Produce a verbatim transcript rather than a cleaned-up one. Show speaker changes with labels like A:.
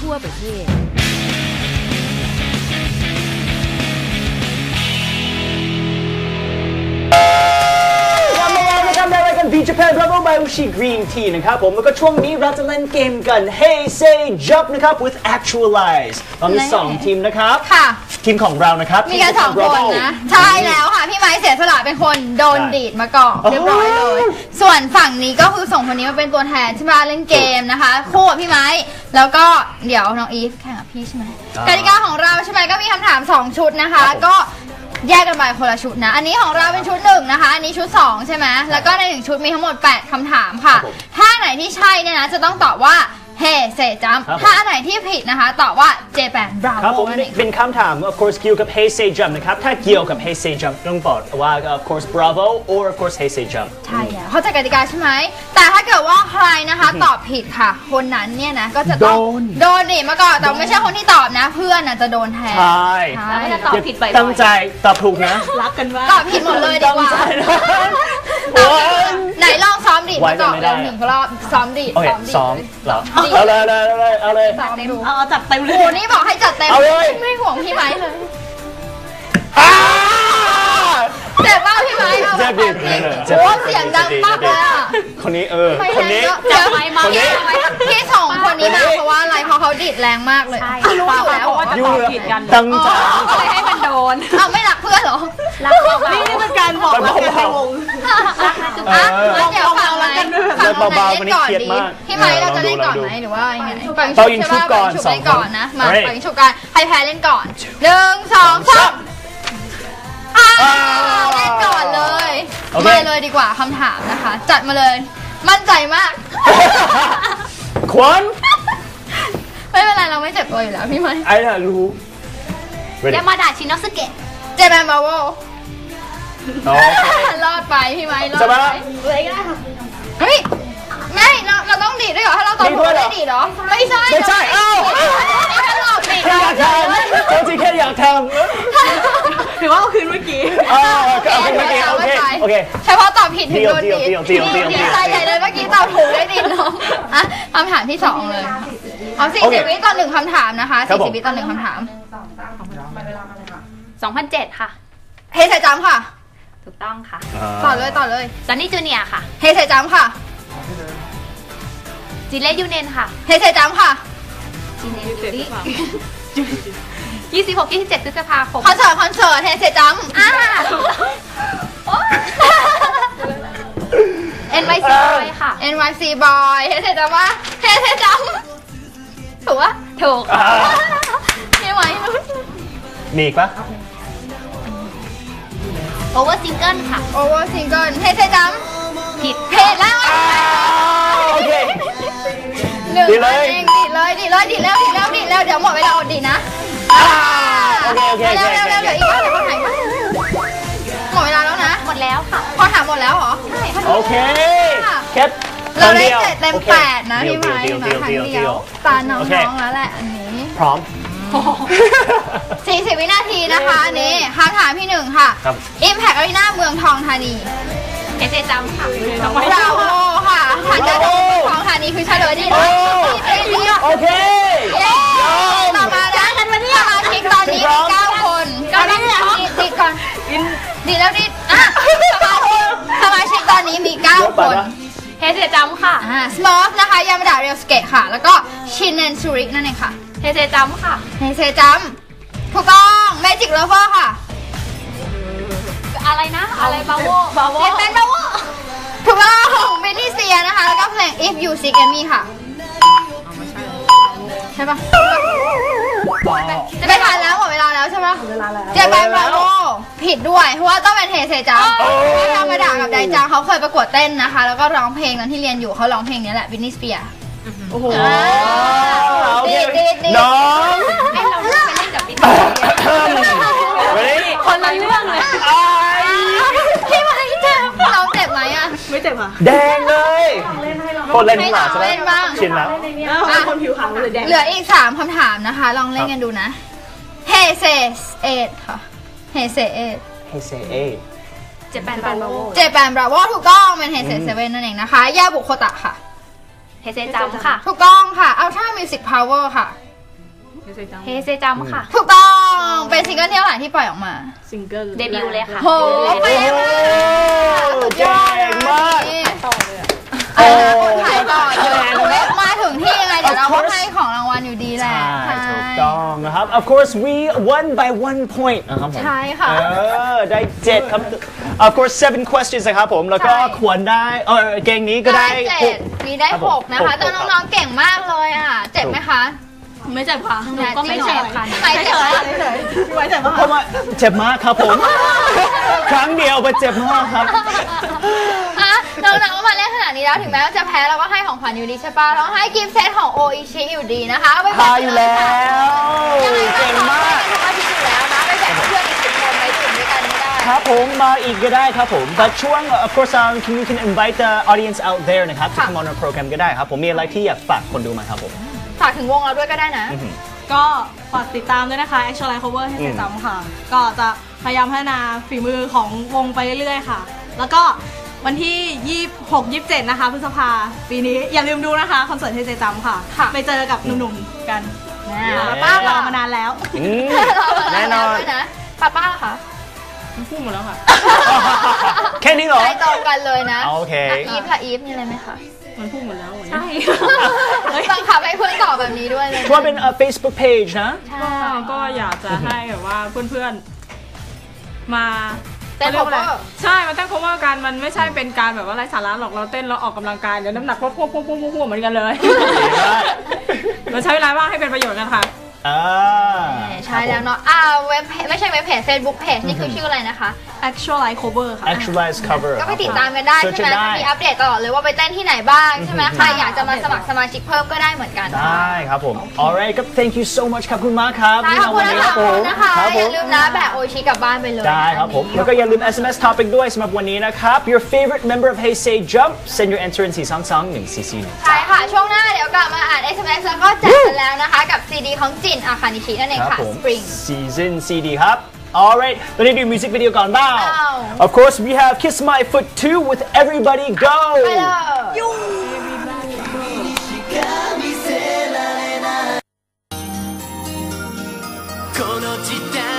A: ทั่วประเทศ
B: บี Japan Bravo by Ushi Green Tea นะครับผมแล้วก็ช่วงนี้เราจะเล่นเกมกัน Hey Say Jump นะครับ with Actualize ตอนนี้สองทีมนะครับค่ะทีมของเรานะครับ
C: มีกันสองคนนะใช่แล้วค่ะพี่ไม้เสียสละเป็นคนโดนดีดมาก่อนเรียบร้อยเลยส่วนฝั่งนี้ก็คือส่งคนนี้มาเป็นตัวแทนที่มาเล่นเกมนะคะคู่กับพี่ไม้แล้วก็เดี๋ยวน้องอีฟแข่งกับพี่ใช่ไหมกติกาของเราใช่ไหมก็มีคำถามสองชุดนะคะก็แยกกันไปคนละชุดนะอันนี้ของเราเป็นชุดหนึ่งนะคะอันนี้ชุดสองใช่ไหมแล้วก็ในหนึ่งชุดมีทั้งหมดแปดคำถามค่ะถ้าไหนที่ใช่เนี่ยนะจะต้องตอบว่าเฮ้เซจัมถ้าอันไหนที่ผิดนะคะตอบว่าเจแปนบราโว
B: ครับผมเป็นคำถาม of course เกี่ยวกับ Hey Say Jump นะครับถ้าเกี่ยวกับ Hey Say Jump ต้องบอกว่า of course Bravo or of course Hey Say Jump
C: ใช่แล้วเข้าใจกติกาใช่ไหมแต่ถ้าเกิดว่าใครนะคะตอบผิดค่ะคนนั้นเนี่ยนะก็จะต้องโดนดิมาก่อนแต่ไม่ใช่คนที่ตอบนะเพื่อนน่ะจะโดนแทน
B: ใช่
A: แล้วถ้าตอบผิดไป
B: ตั้งใจตอบถูกนะ
A: รักกันว่า
C: ตอบผิดหมดเลยดีกว่าไหนลองซ้อมดิมาก่อนเร็วหนึ่งรอบซ้อมดิ
B: ซ้อมเหรอเอาเลยเอาเลยเอาเลย
A: เอาจัดเต็มเลย
C: โอ้นี่บอกให้จัดเต็มไม่ห่วงพี่ไม้เลยเจ็บมากพี่ไม้
B: เจ็บดิ
C: โอ้เสียงดังมากเลยอ่ะ
B: คนนี้เออคนนี้
C: จับไม้มาพี่สองคนนี้มาเพราะว่าอะไรเพราะเขาดิดแรงมากเลยรู้อยู่แล้ว
A: ว่าจะตอบผิดกัน
B: ตั้งใจ
A: ให้มันโดน
C: อ้าวไม่รักเพื่อนเหรอ
A: รักนี่นี่เป็นการบอกรักกันในวง
C: รักนะจุ๊บอ่ะแล้วเดี๋ยวฟังไหมฟังน้องไม้เล่นก่อนดีพี่ไม้เราจะเล่นก่อนไหมหรือว่ายังไง
B: เป่ายิงชุบก่อน
C: สองก่อนนะมาเป่ายิงชุบกันให้แพ้เล่นก่อนหนึ่งสองสามเล่นก่อนเลยมาเลยดีกว่าคำถามนะคะจัดมาเลยมั่นใจมาก
B: ควัน
C: ไม่เป็นไรเราไม่เจ็บตัวอยู่แล้วพี่ไม้
B: ไอ้น่ะรู้
C: ยามาดาชินอสเกะเจแปนบราโวรอดไปพี่ไม้รอดไปเลยก็ได้ค่ะเฮ้ยไม่เราเราต้องดีดด้วยเหรอถ้าเราตอบถูกได้ดีดเหรอไม่ใช่
B: ไม่ใช่เอ้า
C: ไม่ใช่หลอกดีดเรา
B: อยากทำเขาจริงแค่อยากทำ
A: ถือว่าเอาคืนเมื่อกี้
B: อ๋อเอาคืนเมื่อกี้โอเคโอเค
C: เฉพาะตอบผิดถึงโดนดีดดีใจใหญ่เลยเมื่อกี้ตอบถูกได้ดีดน้องอ่ะคำถามที่สองเลยเอาสี่สิบวิต่อหนึ่งคำถามนะคะสี่สิบวิต่อหนึ่งคำถาม
A: สองพันเจ็ดค่ะ
C: เฮเซจัมค่ะ
A: ถูกต้องค่ะ
C: ต่อเลยต่อเลย
A: ซันนี่จูเนียร์ค่ะ
C: เฮเซจัมค่ะ
A: จิเล่ยูเนนค่ะ
C: เฮเซจัมค่ะ
A: จิเนนยูริยี่สิบหก ยี่สิบเจ็ดพฤษภาคม
C: คอนเสิร์ตคอนเสิร์ตเฮเซจัมอ่า
A: เอ็น วาย ซี Boy ค่ะ
C: เอ็น วาย ซี Boy เฮเซจัมว่าเฮเซจัมถูกปะ
A: ถูก
C: ไม่ไหว
B: มีอีกปะ
A: โอเวอร์ซิงเกิลค่ะ
C: โอเวอร์ซิงเกิลเฮเซจัม
A: ผิด
C: เพจแล้ว
B: โอเค
C: ดีเลยดีเลยดีเลยดีแล้วดีแล้วดีแล้วเดี๋ยวหมดเวลาอดดีนะ
B: โอเคโอเค
C: เร็วเร็วเร็วเดี๋ยวอีกว่าเดี๋ยวคนไหนหมดเวลาแล้วนะ
A: หมดแล้วค่ะ
C: พอถามหมดแล้วเหรอ
A: ใช่
B: โอเคแค่
C: เราได้เจ็ดเต็มแปดนะพี่ไม้นะครั้งเดียวตาน้องๆแล้วแหละอันนี้
B: พร้อม
C: สี่สิบวินาทีนะคะอันนี้คำถามที่หนึ่งค่ะ Impact Arena เมืองทองธานี
A: เอเจจัมค่ะ
C: บราโวค่ะฐานการเมืองทองธานีคือเฉลยดีนะ
B: โอเค
C: ต่อมาจ้ากันวันนี้สมาชิกตอนนี้มีเก้าคนก็ต้องดีดก่อนดีแล้วดีอ่ะสมาชิกตอนนี้มีเก้าคน
A: เฮเซจัมค่ะ
C: อ่าสมอฟนะคะยามาดาเรียลสเกตค่ะแล้วก็ชินเนนซูริกนั่นเองค่ะ
A: เฮเซจัมค่ะ
C: เฮเซจัมถูกต้องเมจิกเลเวอร์ค่ะ
A: อะไรนะอะไรบาโว
C: บาโวเป็นบาโวถูกต้องเบนนี่เซียนะคะแล้วก็เพลง If You Seek Me ค่ะใช่ปะจะไปทันแล้วหมดเวลาแล้วใช่ปะเจแปนบราโวผิดด้วยเพราะว่าต้องเป็นเฮเซจัมธรรมดากับไดจังเขาเคยประกวดเต้นนะคะแล้วก็ร้องเพลงนั้นที่เรียนอยู่เขาร้องเพลงนี้แหละบินนี่สเปียร์
B: โอ้โห
C: ดีดีดี
B: น้อง
A: ให้เราไปเล่นกับบินนี่สเปียร์คนละเรื่องเลย
C: พี่ไม้เจ็บน้องเจ็บไหมอะ
A: ไม่เจ็บอ่ะ
B: แดงเลยคนเล่นหมาใช่ไหมชินแล้ว
A: คนผิวขาวเลยแดง
C: เหลืออีกสามคำถามนะคะลองเล่นกันดูนะเฮเซเอ็ดค่ะเฮเซเอ็ด
B: เฮเซเอ็ด
A: เจแปนบราโว
C: เจแปนบราโวถูกต้องเป็นเฮเซเซเว่นนั่นเองนะคะยาบุโคตะค่ะ
A: เฮเซจัมค่ะ
C: ถูกต้องค่ะอัลทรามิวสิกพาวเวอร์ค่ะ
A: เฮเซจัมค่ะ
C: ถูกต้องเป็นซิงเกิลที่เท่าไหร่ที่ปล่อยออกมา
D: ซิงเกิล
A: เดบิวต์เลยค่ะ
C: โหไปเลยสุดยอดเลย
B: มาก
C: ต่อเลยอ่ะคนถ่ายต่อเลยมาถึงที่ยังไงเดี๋ยวเราก็ให้ของรางวัลอยู่ดีแหละ
B: ใช่ถูกต้องนะครับ of course we won by one point นะครับผม
C: ใช่ค่ะ
B: เออได้เจ็ดครับ of course seven questions นะครับผมแล้วก็
C: ใช่
B: ควรได้เออเกมนี้ก็ได้
C: ได้
B: ห
C: เจ็
B: ก
C: ดมีได้
B: ครับผม
C: หกนะคะ
B: หก
C: แต่น้องๆเก่งมากเลยอ่ะเจ็บไหมคะ
D: ไม่เจ็บค่ะหนูก็ไม่
C: จริ
D: เจ็
C: ง
D: บ
C: เหรอ
D: ค่ะ
C: ไม่เจ็บเหรอ
D: เฉยๆพี่ไว้เจ็บมาก
B: เพราะว่าเจ็บมากครับผม ครั้งเดียวไปเจ็บมากครับ
C: อ่ะน้องๆก็มาเล่นขนาดนี้แล้วถึงแม้ว่าจะแพ้เราก็ให้ของขวัญอยู่ดีใช่ปะเราให้กิฟต์เซตของโออิชิอยู่ดีนะคะเอาไป
B: พาอยู่แล้ว
C: ยังไง
B: เก่งมาก
C: ก็ทิตอยู่แล้วนะไปแบ่งเพื่อนอีกสิบคนไปดื่มด้วยกันไม่ได้
B: ครับผมมาอีกก็ได้ครับผมแต่ช่วง of course um, can you can invite the audience out there นะครับ to
C: ค่ะ
B: come on our program ก็ได้ครับผมมีอะไรที่อยากฝากคนดูไหมครับผม
C: ฝากถึงวงเราด้วยก็ได้นะ
D: ก็ฝากติดตามด้วยนะคะ Actualize Cover ให้เซจำค่ะ ก็จะพยายามพัฒนาฝีมือของวงไปเรื่อยๆค่ะ แล้วก็วันที่ยี่สิบหก ยี่สิบเจ็ดนะคะพฤษภาปีนี้อย่าลืมดูนะคะคอนเสิร์ตให้เซจำค่ะ
C: ค่ะ
D: ไปเจอกับหนุ่มๆกัน
C: ป้า
D: เรา
C: ล่ะ
D: มานานแล้ว
B: อืม
C: เรามานาน
B: แน่น
C: แล้ว
B: อน
C: ด้วยนะป้าป้าล่ะคะ
D: พูดหมดแล้วค่ะ
B: แค่นี้เหรอ
C: ใจตรงกันเลยนะ
B: โอเค
C: ะอีฟค่ะอีฟมีอะไรไหมคะ
D: มันพูดหมดแล้วใช่
C: บังคับให้เพื่อนตอบแบบนี้ด้วยเลย
B: ว่าเป็น uh, Facebook page นะ
C: ใช่
E: ก็อยากจะให้แบบว่าเพื่อนๆมา
C: เต้น
E: ขารียกว่าอะไร
C: cover
E: ใช่มันเต้น cover กันมันไม่ใช่เป็นการแบบว่าไร้สาระหรอกเราเต้นแล้วออกกำลังกายเดี๋ยวน้ำหนักพวกพวกพวกพวกพวกเหมือนกันเลยเราใช้เวลาว่างให้เป็นประโยชน์กันค่ะ
B: อ่า
C: ใช่แล้วเนาะอ่าเว็บเพจไม่ใช่เว็บเพจ Facebook Page นี่คือชื่ออะไรนะคะ
D: Actualize Cover ค่ะ
B: Actualize cover
C: ก็ไปติดตามกันได้
B: เสิร์ช
C: ใช่ไหม
B: ได้
C: มีอัปเดตตลอดเลยว่าไปเต้นที่ไหนบ้างใช่ไหมใครอยากจะมาสมัครสมาชิกเพิ่มก็ได้เหมือนกัน
B: ได้ครับผม alright ก็ thank you so much ครับคุณมากครับ
C: ใช่ขอบคุณ
B: ที่
C: ทั้ง
B: มา
C: สาม
B: วั
C: คนนะคะ
B: ครับ
C: อ
B: ผ
C: ย่าม ลืมนะแบกโออิชิกลับบ้านไปเลย
B: ได้ครับผม แล้วก็อย่าลืม เอส เอ็ม เอส topic ด้วยสำหรับวันนี้นะครับ your favorite member of Hey Say Jump send your answer in สี่ สอง สอง หนึ่ง สี่ สี่ หนึ่ง
C: ใช่ค่ะ ช่วงหน้าเดี๋ยวกลับมาอ่าน เอส เอ็ม เอส แล้วก็แจกกันแล้วนะคะกับซีดีของจินอาคานิชินั่นเอง
B: ครับ
C: ค่ะ
B: ผม
C: Spring
B: season ซี ดี ครับ alright ตอนนี้ดูมิวสิกวิดีโอก่อนบ้าง
C: อ้าว
B: of course we have Kiss My Foot two with Everybody Go
C: ไปเลย
F: この時代